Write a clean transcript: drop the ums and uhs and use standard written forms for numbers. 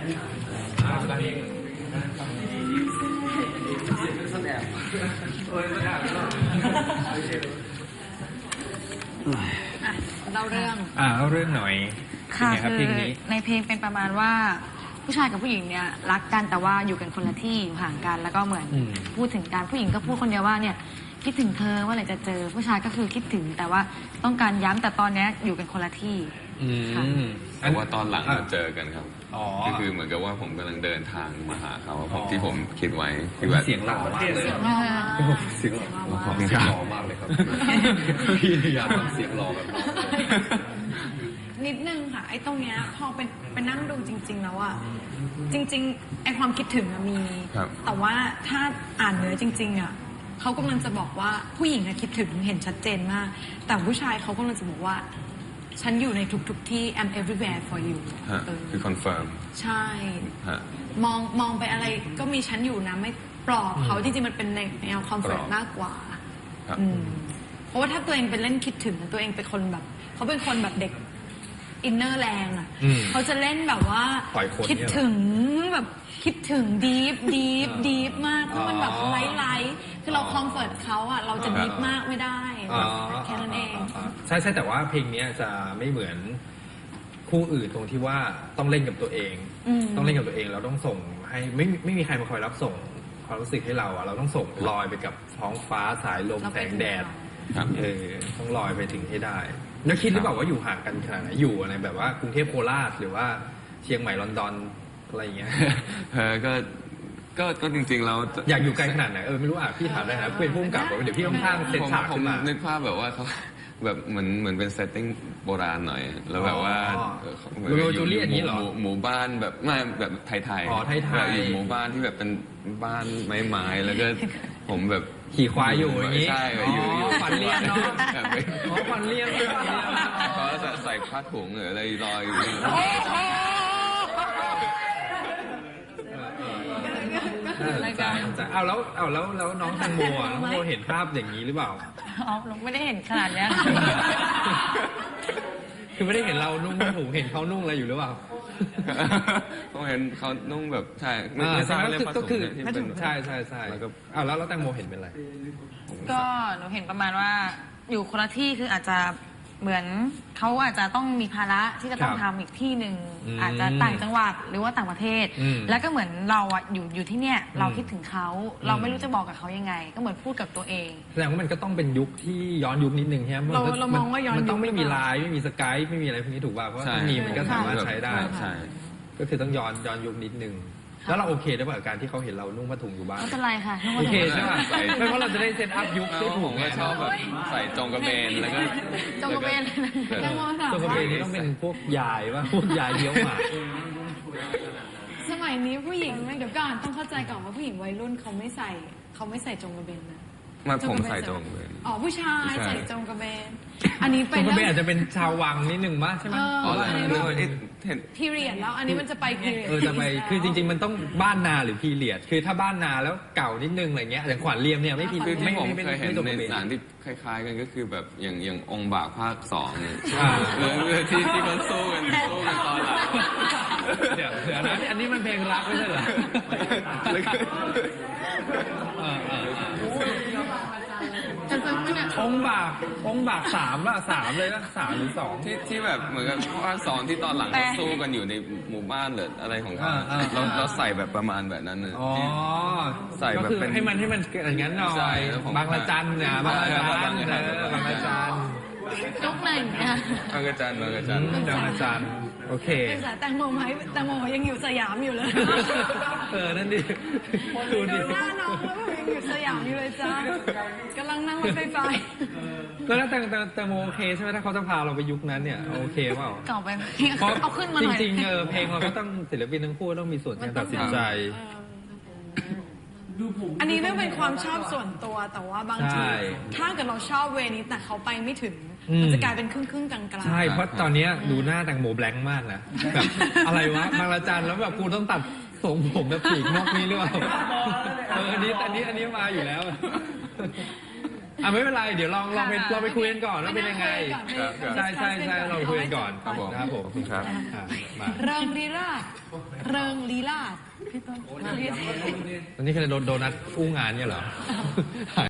เล่าเรื่องเล่าเรื่องหน่อยค่ะคือในเพลงเป็นประมาณว่าผู้ชายกับผู้หญิงเนี่ยรักกันแต่ว่าอยู่กันคนละที่อยู่ห่างกันแล้วก็เหมือนพูดถึงกันผู้หญิงก็พูดคนเดียวว่าเนี่ยคิดถึงเธอว่าอะไรจะเจอผู้ชายก็คือคิดถึงแต่ว่าต้องการย้ำแต่ตอนนี้อยู่กันคนละที่แต่ว่าตอนหลังมาเจอกันครับก็คือเหมือนกับว่าผมกำลังเดินทางมาหาเขาที่ผมคิดไว้คือแบบเสียงหล่อมากเลยเสียงหล่อมากเลยครับพี่อยากทำเสียงหล่อแบบน้องนิดนึงค่ะไอ้ตรงเนี้ยพอเป็นนั่งดูจริงๆแล้วอะจริงๆไอ้ความคิดถึงมีแต่ว่าถ้าอ่านเนื้อจริงๆอะเขากำลังจะบอกว่าผู้หญิงคิดถึงเห็นชัดเจนมากแต่ผู้ชายเขากำลังจะบอกว่าฉันอยู่ในทุกๆที่ I'm everywhere for you คือคอนเฟิร์มใช่มองไปอะไรก็มีฉันอยู่นะไม่ปลอบเขาจริงๆมันเป็นแนวคอมฟอร์ตมากกว่าเพราะว่าถ้าตัวเองเป็นเล่นคิดถึงตัวเองเป็นคนแบบเขาเป็นคนแบบเด็กอินเนอร์แรงอ่ะเขาจะเล่นแบบว่าคิดถึงแบบคิดถึงดีฟมากคือมันแบบไร้คือเราคอมฟอร์ตเขาอ่ะเราจะดีฟมากไม่ได้แค่นั้นเองใช่แต่ว่าเพลงนี้จะไม่เหมือนคู่อื่นตรงที่ว่าต้องเล่นกับตัวเองต้องเล่นกับตัวเองเราต้องส่งให้ไม่มีใครมาคอยรับส่งความรู้สึกให้เราอ่ะเราต้องส่งลอยไปกับท้องฟ้าสายลมแสงแดดต้องลอยไปถึงให้ได้แล้วคิดหรือเปล่าว่าอยู่ห่างกันขนาดไหนอยู่อะไรแบบว่ากรุงเทพโคราชหรือว่าเชียงใหม่ลอนดอนอะไรอย่างเงี้ยก็จริงๆเราอยากอยู่ไกลขนาดไหนไม่รู้อ่ะพี่ถามได้นะเป็นผู้กำกับเดี๋ยวพี่ต้องสร้างเซตฉากขึ้นมานึกภาพแบบว่าเขาแบบเหมือนเป็นเซตติ้งโบราณหน่อยแล้วแบบว่าโรจูเลียนนี้เหรอหมู่บ้านแบบไม่แบบไทยอยู่หมู่บ้านที่แบบเป็นบ้านไม้แล้วก็ผมแบบขี่ควายอยู่อย่างนี้ใช่อยู่ขวัญเลี้ยงเนาะขวัญเลี้ยงเขาจะใส่ผ้าถุงหรืออะไรลอยอยู่รายการแล้วน้องแตงโมน้องโมเห็นภาพอย่างนี้หรือเปล่าน้องไม่ได้เห็นขนาดนี้คือไม่ได้เห็นเรานุ่งผ้าถุงเห็นเขานุ่งอะไรอยู่หรือเปล่าต้องเห็นเขานุ่งแบบใช่ไม่ใช่ก็คือใช่แล้วแตงโมเห็นเป็นอะไรก็หนูเห็นประมาณว่าอยู่คนละที่คืออาจจะเหมือนเขาอาจจะต้องมีภาระที่จะต้องทำอีกที่หนึ่งอาจจะต่างจังหวัดหรือว่าต่างประเทศแล้วก็เหมือนเราอยู่ที่เนี่ยเราคิดถึงเขาเราไม่รู้จะบอกกับเขายังไงก็เหมือนพูดกับตัวเองแสดงว่ามันก็ต้องเป็นยุคที่ย้อนยุคนิดนึงใช่ไหมเรามองว่าย้อนยุคมันต้องไม่มีไลน์ไม่มีสกายไม่มีอะไรพวกนี้ถูกป่ะเพราะถ้ามีมันก็สามารถใช้ได้ก็คือต้องย้อนยุคนิดนึงแล้วเราโอเคได้ป่ะกับการที่เขาเห็นเรานุ่งผ้าถุงอยู่บ้านไม่เป็นไรค่ะโอเคใช่ป่ะไม่เพราะเราจะได้เซตอัพยุคได้ถูกไงชอบแบบใส่จงกระเบนแล้วก็จงกระเบนจงกระเบนนี่ต้องเป็นพวกยายป่ะพวกยายเลี้ยวหมาสมัยนี้ผู้หญิงเดี๋ยวก่อนต้องเข้าใจก่อนว่าผู้หญิงวัยรุ่นเขาไม่ใส่จงกระเบนนะมาผมใส่จงกระเบนผู้ชายใส่จงกระเบนอันนี้เป็นจงกระเบนอาจจะเป็นชาววังนิดนึงมั้ยใช่ไหมพีเรียดแล้วอันนี้มันจะไปพีเรียดจะไปคือจริงๆมันต้องบ้านนาหรือพีเรียดคือถ้าบ้านนาแล้วเก่านิดนึงอะไรเงี้ยอย่างขวัญเรียมเนี่ยไม่พีไม่ผมเคยเห็นในหนังที่คล้ายๆกันก็คือแบบอย่างองค์บากภาค2เนี่ยที่เขาสู้กันตอนหลังเดี๋ยวนะอันนี้มันเพลงรักไม่ใช่เหรอองค์บาก3ป่ะ3เลยนะ3หรือ2 ที่แบบเหมือนกับภาค2ที่ตอนหลังเขาสู้กันอยู่ในหมู่บ้านหรืออะไรของเขาเราใส่แบบประมาณแบบนั้นเลยใส่แบบเป็นให้มันอย่างนั้นหน่อยบางละจันเนี่ยบางละจันยกไหนเนี่ยบางละจันโอเคแตงโมไหมแตงโมยังอยู่สยามอยู่เลยนั่นดิดูดิหน้าน้องแล้วยังอยู่สยามอยู่เลยจ้ากำลังนั่งรถไฟฟ้าแล้วแตงโมโอเคใช่ไหมถ้าเขาจะพาเราไปยุคนั้นเนี่ยโอเคเปล่าต่อไปเอาขึ้นมาหน่อยจริงๆเพลงเราก็ต้องศิลปินทั้งคู่ต้องมีส่วนในการตัดสินใจอันนี้เรื่องเป็นความชอบส่วนตัวแต่ว่าบางทีถ้าเกิดเราชอบเวนี้แต่เขาไปไม่ถึงมันจะกลายเป็นครึ่งกลางๆใช่เพราะตอนนี้ดูหน้าแตงโมแบล็งมากนะแบบอะไรวะบางละจันแล้วแบบกูต้องตัดทรงผมแบบปีกนกนี้หรือเปล่าอันนี้มาอยู่แล้วไม่เป็นไรเดี๋ยวลองไปคุยกันก่อนว่าเป็นยังไงใช่เราคุยกันก่อนครับผมนะครับผมขอบคุณครับมาเริงลีลาศเริงลีลาศพี่ต้นตอนนี้คือโดนัทอู้งานเนี่ยเหรอหาย